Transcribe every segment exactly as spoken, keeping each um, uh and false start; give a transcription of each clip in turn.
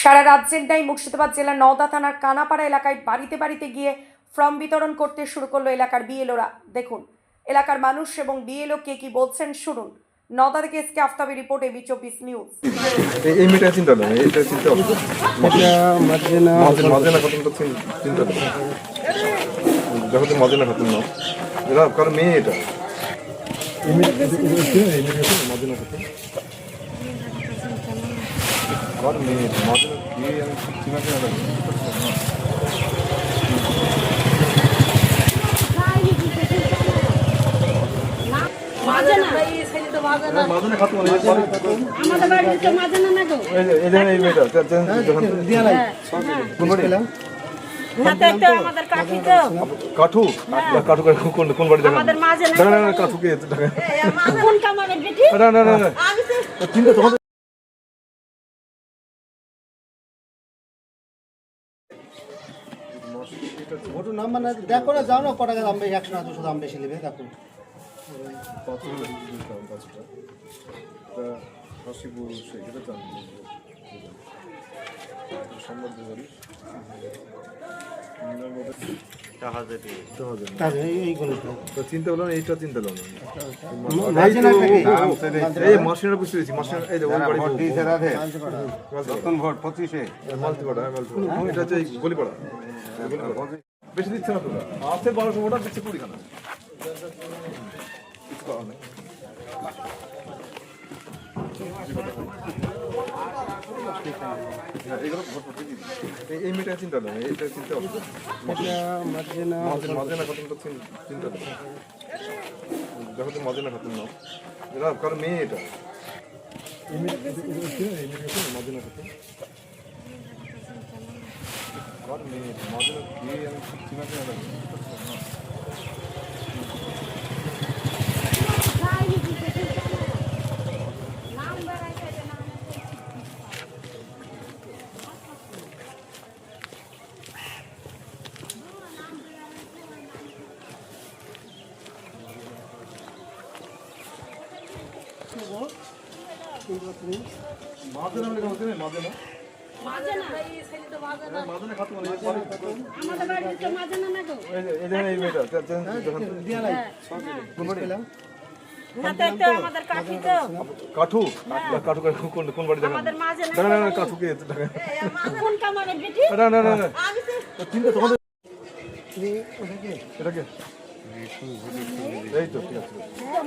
সারা রাজ্যের ন্যায় মুর্শিদাবাদ জেলার নওদা থানার কানাপাড়া এলাকায় বাড়িতে বাড়িতে গিয়ে ফর্ম বিতরণ করতে শুরু করলো এলাকার বিএলওরা। দেখুন এলাকার মানুষ এবং বিএলও কে কি বলছেন শুনুন। নওদা থেকে এসকে আফতাবি রিপোর্ট এবি চব্বিশ নিউজ। এই মিটার চিন্তা না, এটা চিন্তা হবে এটা মাঝেনা মাঝেনা ঘটনাটা চিন্তা না, যখন মাঝেনা ঘটনা না এরা কারণ মেয়ে এটা মাঝেনা ঘটনা আমার মেয়ে মাঝেনা কি আমি চিনাকে না মাঝেনা খাতুন আমাদের বাড়িতে মাঝেনা না গো এই যে এই মেয়েটা যখন দিয়া নাই কোন বাড়ি হাতে একটা আমাদের কাঠি তো কাঠু কাঠু কোন কোন বাড়ি দেখা আমাদের মাঝে না না না কাঠু কে দেখা কোন কামারের বেটি না না না না আমি তো চিন্তা তোমাদের ভোট নাম মানে দেখো না, যাও না কটা দাম বেশি, একশো না দুশো দাম বেশি নেবে দেখো। চিন্তা করলাম এইটা চিন্তা করলাম মাঝেনা থেকে এই মাসিনার বুঝতে পেরেছি মাসিনার এই যে ওই বাড়ি নতুন ভোট পঁচিশে মালতিপাড়া এটা হচ্ছে গলিপাড়া বেশি দিচ্ছে না তোরা আছে বারোশো ভোটার দিচ্ছে কুড়িখানা কিছু করার নেই এই মেয়েটা চিন্তা নেই, এইটা চিন্তা হবে মাঝেনা মাঝেনা ঘটনাটা চিন্তা নেই, যখন মাঝেনা ঘটনা না এরা কারণ মেয়ে এটা মাঝেনা ঘটনা আমার মেয়ে মাঝেনা কি আমি চিনাকে না মাঝেনা বলে কথা নেই মাঝেনা মাঝেনা এই ছেলে তো মাঝেনা মাঝেনা খাতুন আমাদের বাড়িতে মাঝেনা না গো এই যে এই যে এই মেয়েটা যখন দিয়া নাই কোন বাড়ি হাতে একটা আমাদের কাঠি তো কাঠু কাঠু কোন কোন বাড়ি দেখা আমাদের মাঝে না না না কাঠু কে দেখা কোন কামারের বেটি না না না না আমি তো চিন্তা তোমাদের এটা কে এই তো ঠিক আছে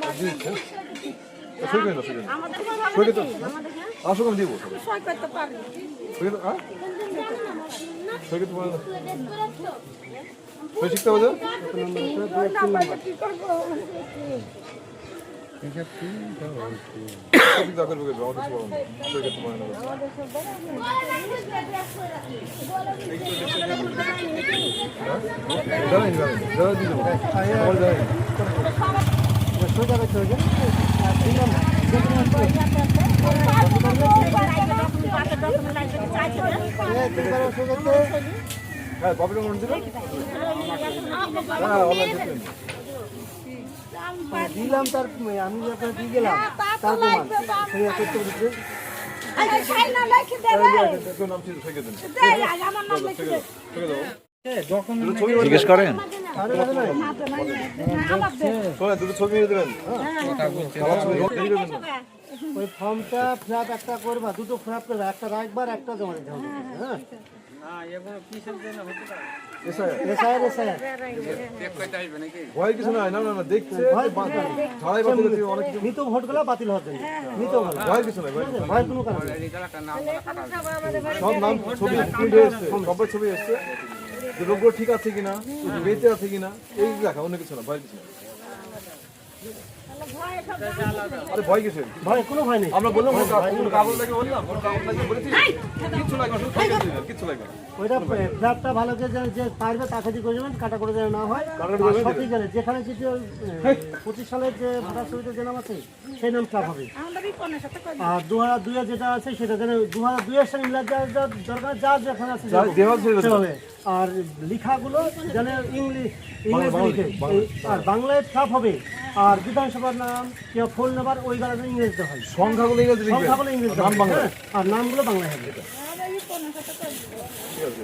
সই করে না সই করে না আমাদের সই করে তো আমাদের আসো আমি দিব সই করতে পারবো সই করে হ্যাঁ সই করতে পারো সই শিখতে হবে কি করবো সবই দা করবে আমার কিছু বলো না সই করতে পারো না জানি জানি জানি দিয়ে দেবো আমার জানি সোজা করতে হবে হ্যাঁ কপিটা মনে দিল হ্যাঁ অনলাইন দিলাম, তার আমি যখন দিয়ে গেলাম তার প্রমাণ সেই করতে বলছে নাম ছিল সই করে দেন জিজ্ঞেস করেন দুটো ছবি দেবেন ওই ফর্মটা ফ্ল্যাপ একটা করবা, দুটো ফ্ল্যাপ করবা, একটা রাখবার একটা জমা দিতে হবে। হ্যাঁ এসআইআর এসআইআর ভয় কিছু নাই, না না না দেখছে ছাড়াই বাতিল হচ্ছে অনেক কিছু মৃত ভোটগুলো বাতিল হওয়ার জন্য মৃত ভোট ভয় কিছু নাই, ভয় কিছু নাই। ভয় কোনো কারণ নেই। সব নাম ছবি প্রিন্ট হয়ে এসছে, সবার ছবি এসছে, যে রোগ ঠিক আছে কিনা, বেঁচে আছে কিনা, এই দেখা, অন্য কিছু না, ভয় কিছু না। আরে ভয় কিছু ভয় কোনো ভয় নেই। আমরা বললাম কোনো কাগজ লাগে বললাম, কোনো কাগজ লাগে বলেছি, কিচ্ছু লাগবে না, শুধু ছবি দিবেন, কিচ্ছু লাগবে না। ওইটা ফ্ল্যাপটা ভালো করে যে যে পারবে তাকে দিয়ে করবেন, কাটা করে যেন না হয়। সঠিক জানে যেখানে যদি পঁচিশ সালের যে ভোটার ছবিতে যে নাম আছে সেই নাম ফ্ল্যাপ হবে। আর দু হাজার দুইয়ে যেটা আছে সেটা যেন দু হাজার দুইয়ের সঙ্গে মিলাদ দরকার, যা যেখানে আছে সেভাবে। আর লেখাগুলো যেন ইংলিশ ইংলিশ লিখে, আর বাংলায় ফ্ল্যাপ হবে। আর বিধানসভার নাম কিংবা ফোন নাম্বার ওই গাড়ি ইংরেজিতে হয়, সংখ্যাগুলো ইংরেজি লিখবেন, সংখ্যাগুলো ইংরেজিতে নাম বাংলা, আর নামগুলো বাংলায় হবে। পনেরো শত করে দিব। ঠিক আছে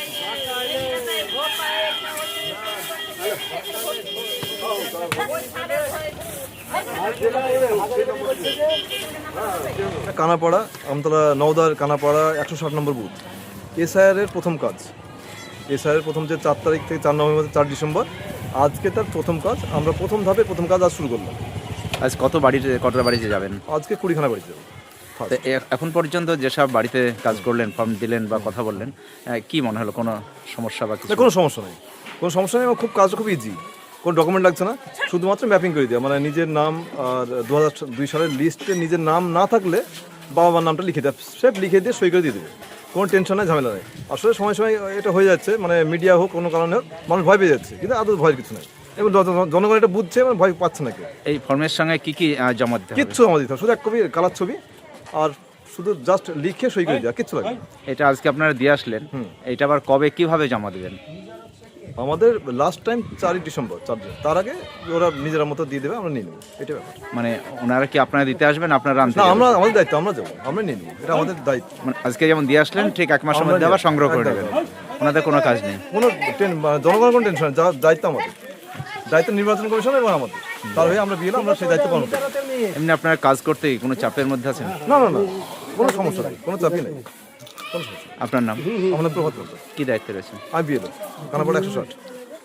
কানাপাড়া আমতলা নওদার কানাপাড়া একশো ষাট নম্বর বুথ এসআইআরের প্রথম কাজ এসআইআর প্রথম যে চার তারিখ থেকে চার নভেম্বর চার ডিসেম্বর আজকে তার প্রথম কাজ আমরা প্রথম ধাপে প্রথম কাজ আজ শুরু করলাম আজ কত বাড়িতে কতটা বাড়িতে যাবেন? আজকে কুড়িখানা বাড়িতে যাবো তো এ- এখন পর্যন্ত যেসব বাড়িতে কাজ করলেন, ফর্ম দিলেন বা কথা বললেন, আহ, কি মনে হলো কোনো সমস্যা বা কিছু? না কোনো সমস্যা নেই কোনো সমস্যা নেই আমার খুব কাজটা খুব ইজি কোনো ডকুমেন্ট লাগছে না শুধুমাত্র ম্যাপিং করে দেওয়া মানে নিজের নাম আর দু হাজার দুই সালের লিস্টে নিজের নাম না থাকলে বাবা মার নামটা লিখে দেয় সে লিখে দিয়ে সই করে দিয়ে দেবে কোনো টেনশন নেই ঝামেলা নেই আসলে সময় সময় এটা হয়ে যাচ্ছে মানে মিডিয়া হোক কোনো কারণে হোক মানুষ ভয় পেয়ে যাচ্ছে কিন্তু আদৌ ভয়ের কিছু নেই এবং জন- জনগণ এটা বুঝছে মানে ভয় পাচ্ছে না কেউ এই ফর্মের সঙ্গে কি কি আহ, জমা দিতে হবে? কিচ্ছু আমাদের দিতে হবে শুধু এক কপি কালার ছবি আর শুধু জাস্ট লিখে সই করে দেওয়া কিচ্ছু লাগবে না। এটা আজকে আপনারা দিয়ে আসলেন, এটা আবার কবে কিভাবে জমা দিবেন? আমাদের লাস্ট টাইম চারই ডিসেম্বর চার দিন তার আগে ওরা নিজেরা মতো দিয়ে দেবে আমরা নিয়ে নেবো এটা ব্যাপার মানে ওনারা কি আপনারা দিতে আসবেন, আপনারা আনতে না যাবেন? আমরা আমাদের দায়িত্ব আমরা যাবো আমরা নিয়ে নেবো এটা আমাদের দায়িত্ব মানে আজকে যেমন দিয়ে আসলেন ঠিক এক মাসের মধ্যে আবার সংগ্রহ করে নেবেন, ওনাদের কোনো কাজ নেই। কোনো টেন- মানে জনগণের কোনো টেনশন নেই, যা দায়িত্ব আমাদের দায়িত্ব নির্বাচন কমিশন এবং আমাদের তার হয়ে আমরা বিয়েলাম আমরা সেই দায়িত্ব পালন করি এমনি আপনারা কাজ করতে কোনো চাপের মধ্যে আছেন? না না না কোনো সমস্যা নেই কোনো চাপই নেই কোনো সমস্যা নেই। আপনার নাম আমাদের প্রভাত বলতে কি দায়িত্বে রয়েছেন? আমি বিয়ে দেবো কানাপাড়া একশো ষাট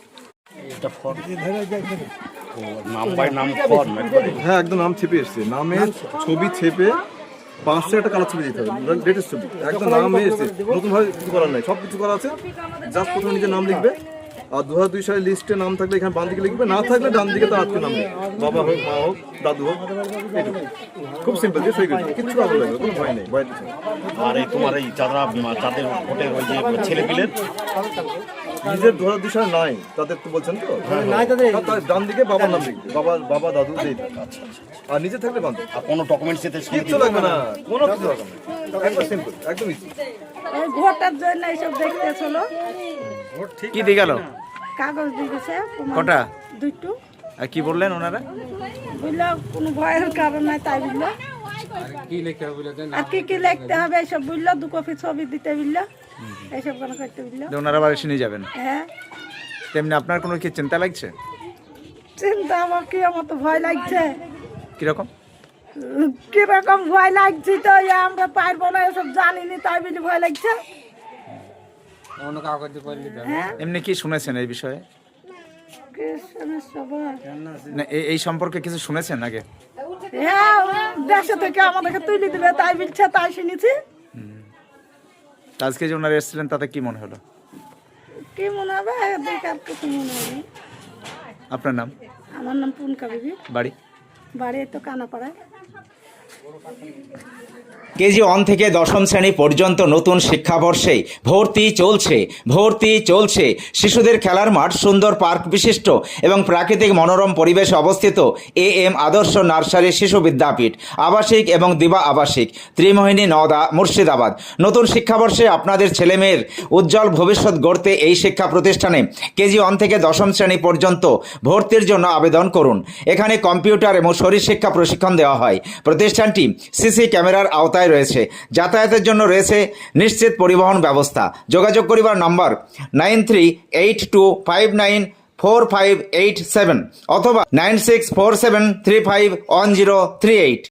হ্যাঁ একদম নাম ছেপে এসছে নামের ছবি ছেপে পাঁচশো একটা কালার ছবি দিতে হবে লেটেস্ট ছবি একদম নাম এসছে নতুন ভাবে কিছু করার নাই সব কিছু করা আছে জাস্ট প্রথমে নিজের নাম লিখবে আর দু হাজার দুই সালের লিস্টে নাম থাকলে এখানে বাম দিকে লিখবে না থাকলে ডান দিকে তো আজকে নাম লিখবে বাবা হোক মা হোক দাদু হোক এইটুকু। খুব সিম্পল দিয়ে সই করে দিবে। কিচ্ছু ভালো লাগবে কোনো ভয় নেই ভয়ের কিছু নেই। আর এই তোমার এই যারা যাদের ভোটের ওই যে ছেলে পিলের নিজের দু হাজার দুই সালে নাই তাদের তো বলছেন তো নাই তাদের তার ডান দিকে বাবার নাম লিখবে বাবা বাবা দাদু যেই আর নিজে থাকলে বান্ধব আর কোনো ডকুমেন্টস এতে কিচ্ছু লাগবে না কোনো কিছু লাগবে না একদম সিম্পল একদম ইজি এই ভোটের জন্য এইসব দেখতেছিল, কি দিয়ে গেল? কাগজ দিয়েছে কটা? দুইটু, আর কি বললেন ওনারা? বুঝলো কোনো ভয়ের কারণ নাই তাই বুঝলো। আর কি কি লিখতে হবে এইসব বুঝলো, দু কপি ছবি দিতে বুঝলো, এইসব কোনো করতে বুঝলো। যে ওনারা আবার এসে নিয়ে যাবেন, হ্যাঁ তেমনি আপনার কোনো কি চিন্তা লাগছে? চিন্তা আমার কি আমার তো ভয় লাগছে, কিরকম? কিরকম ভয় লাগছে তো এই আমরা পারবো না এসব জানিনি তাই বলে ভয় লাগছে। হ্যাঁ এমনি কি শুনেছেন এই বিষয়ে? কি সমস্যা বল? না এই- এই সম্পর্কে কিছু শুনেছেন আগে? হ্যাঁ দেশে থেকে আমাদেরকে তুলে দিবে তাই বলছে তাই শুনেছি। তা আজকে যে ওনারা এসেছিলেন তাতে কি মনে হলো? কি মনে হবে বেকার কিছু মনে হবে। আপনার নাম, আমার নাম পুনকা বিবি, বাড়ি? বাড়ি তো কানাপাড়ায়। কেজি ওয়ান থেকে দশম শ্রেণী পর্যন্ত নতুন শিক্ষাবর্ষে ভর্তি চলছে ভর্তি চলছে শিশুদের খেলার মাঠ, সুন্দর পার্ক বিশিষ্ট এবং প্রাকৃতিক মনোরম পরিবেশে অবস্থিত এ এম আদর্শ নার্সারি শিশু বিদ্যাপীঠ, আবাসিক এবং দিবা আবাসিক, ত্রিমোহিনী, নওদা, মুর্শিদাবাদ। নতুন শিক্ষাবর্ষে আপনাদের ছেলেমেয়ের উজ্জ্বল ভবিষ্যৎ গড়তে এই শিক্ষা প্রতিষ্ঠানে কেজি ওয়ান থেকে দশম শ্রেণী পর্যন্ত ভর্তির জন্য আবেদন করুন। এখানে কম্পিউটার এবং শরীর শিক্ষা প্রশিক্ষণ দেওয়া হয়। প্রতিষ্ঠানটি সিসি ক্যামেরার আওতায় রয়েছে। যাতায়াতের জন্য রয়েছে নিশ্চিত পরিবহন ব্যবস্থা। যোগাযোগ করিবার number nine three eight two five nine four five eight seven অথবা nine six four seven three five one zero three eight.